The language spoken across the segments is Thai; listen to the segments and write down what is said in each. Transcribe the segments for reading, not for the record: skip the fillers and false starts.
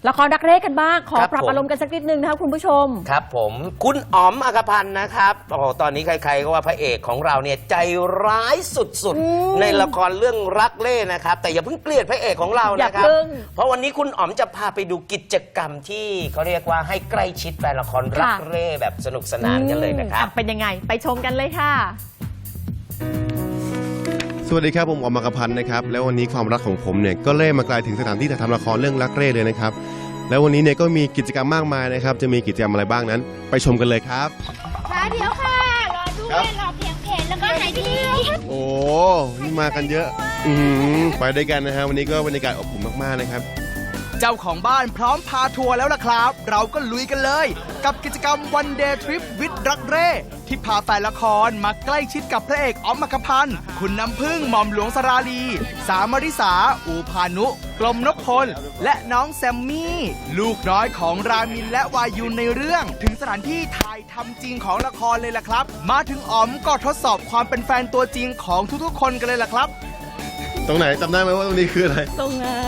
ละครรักเร่กันบ้างขอครับปรับผมอารมณ์กันสักนิดนึงนะคะคุณผู้ชมครับผมคุณอ๋อมอัครพันธ์นะครับโอ้โหตอนนี้ใครๆก็ว่าพระเอกของเราเนี่ยใจร้ายสุดๆในละครเรื่องรักเล่นะครับแต่อย่าเพิ่งเกลียดพระเอกของเรานะครับอย่าเพิ่งเพราะวันนี้คุณอ๋อมจะพาไปดูกิจกรรมที่เขาเรียกว่าให้ใกล้ชิดแฟนละครรักเล่แบบสนุกสนานกันเลยนะครับเป็นยังไงไปชมกันเลยค่ะสวัสดีครับผมอ๋อมอัครพันธ์นะครับแล้ววันนี้ความรักของผมเนี่ยก็เล่มาไกลถึงสถานที่ถ่ายทำละครเรื่องรักเร่เลยนะครับแล้ววันนี้เนี่ยก็มีกิจกรรมมากมายนะครับจะมีกิจกรรมอะไรบ้างนั้นไปชมกันเลยครับค่ะเดี๋ยวค่ะ รอด้วยรอเพียงเพจแล้วก็ไหนดีโอ้นี่มากันเยอะไปด้วยกันนะฮะวันนี้ก็บรรยากาศอบอุ่นมากๆนะครับเจ้าของบ้านพร้อมพาทัวร์แล้วล่ะครับ เราก็ลุยกันเลย กับกิจกรรม One Day Trip วิดรักเร่ที่พาแฟนละครมาใกล้ชิดกับพระเอกอ๋อมอัครพันธ์คุณน้ำพึ่งหม่อมหลวงสราลี สามริสา อูพานุ กลมนพพล และน้องแซมมี่ ลูกน้อยของรามินและวายุนในเรื่อง ถึงสถานที่ถ่ายทำจริงของละครเลยล่ะครับ มาถึงอ๋อมก็ทดสอบความเป็นแฟนตัวจริงของทุกๆ คนกันเลยล่ะครับตรงไหนจำได้ไหมว่าตรงนี้คืออะไรตรงนั้น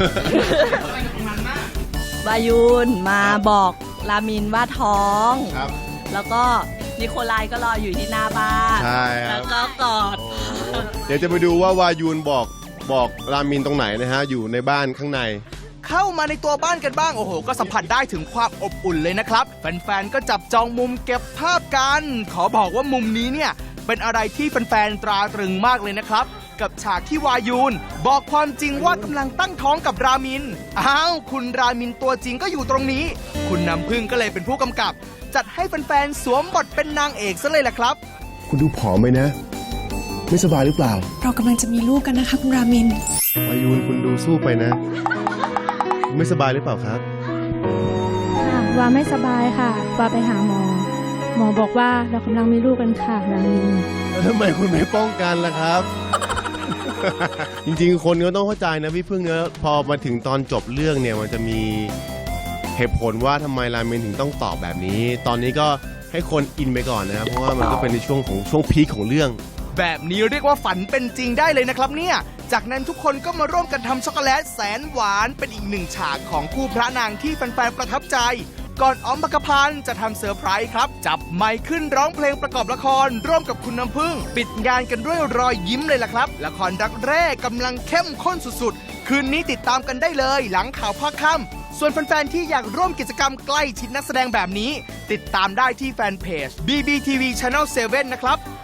วายุนมาบอกรามินว่าท้องครับแล้วก็นิโคลายก็รออยู่ที่หน้าบ้านใช่ครัแล้บวก็กอดเดี๋ยวจะไปดูว่าวายูนบอกรามินตรงไหนนะฮะอยู่ในบ้านข้างในเข้ามาในตัวบ้านกันบ้างโอ้โหก็สัมผัสได้ถึงความอบอุ่นเลยนะครับแฟนๆก็จับจองมุมเก็บภาพกัน ขอบอกว่ามุมนี้เนี่ยเป็นอะไรที่แฟนๆตราตรึงมากเลยนะครับ กับฉากที่วายูนบอกความจริงว่ากำลังตั้งท้องกับรามินอ้าวคุณรามินตัวจริงก็อยู่ตรงนี้ คุณน้ำพึ่งก็เลยเป็นผู้กำกับ จัดให้แฟนๆสวมบทเป็นนางเอกซะเลยล่ะครับคุณดูผอมไหมนะ ไม่สบายหรือเปล่าเรากำลังจะมีลูกกันนะคะคุณรามินวายูนคุณดูสู้ไปนะ ไม่สบายหรือเปล่าครับค่ะวาไม่สบายค่ะวาไปหาหมอ หมอบอกว่าเรากำลังมีลูกกันค่ะรามินแล้วทำไมคุณไม่ป้องกันล่ะครับ จริงๆ คนก็ต้องเข้าใจนะพี่พึ่งเนอะพอมาถึงตอนจบเรื่องเนี่ยมันจะมีเหตุผลว่าทำไมรามินถึงต้องตอบแบบนี้ ตอนนี้ก็ให้คนอินไปก่อนนะครับ เพราะว่ามันก็เป็นในช่วงพีคของเรื่องแบบนี้เรียกว่าฝันเป็นจริงได้เลยนะครับเนี่ย จากนั้นทุกคนก็มาร่วมกันทำช็อกโกแลตแสนหวานเป็นอีกหนึ่งฉากของคู่พระนางที่แฟนๆประทับใจ ก่อนอ๋อมอัครพันธ์จะทำเซอร์ไพรส์ครับ จับไมค์ขึ้นร้องเพลงประกอบละคร ร่วมกับคุณน้ำพึ่ง ปิดงานกันด้วยรอยยิ้มเลยล่ะครับ ละครรักแร่กำลังเข้มข้นสุดๆ คืนนี้ติดตามกันได้เลยหลังข่าวภาคค่ำส่วนแฟนๆที่อยากร่วมกิจกรรมใกล้ชิดนักแสดงแบบนี้ ติดตามได้ที่แฟนเพจ BBTV Channel 7 นะครับ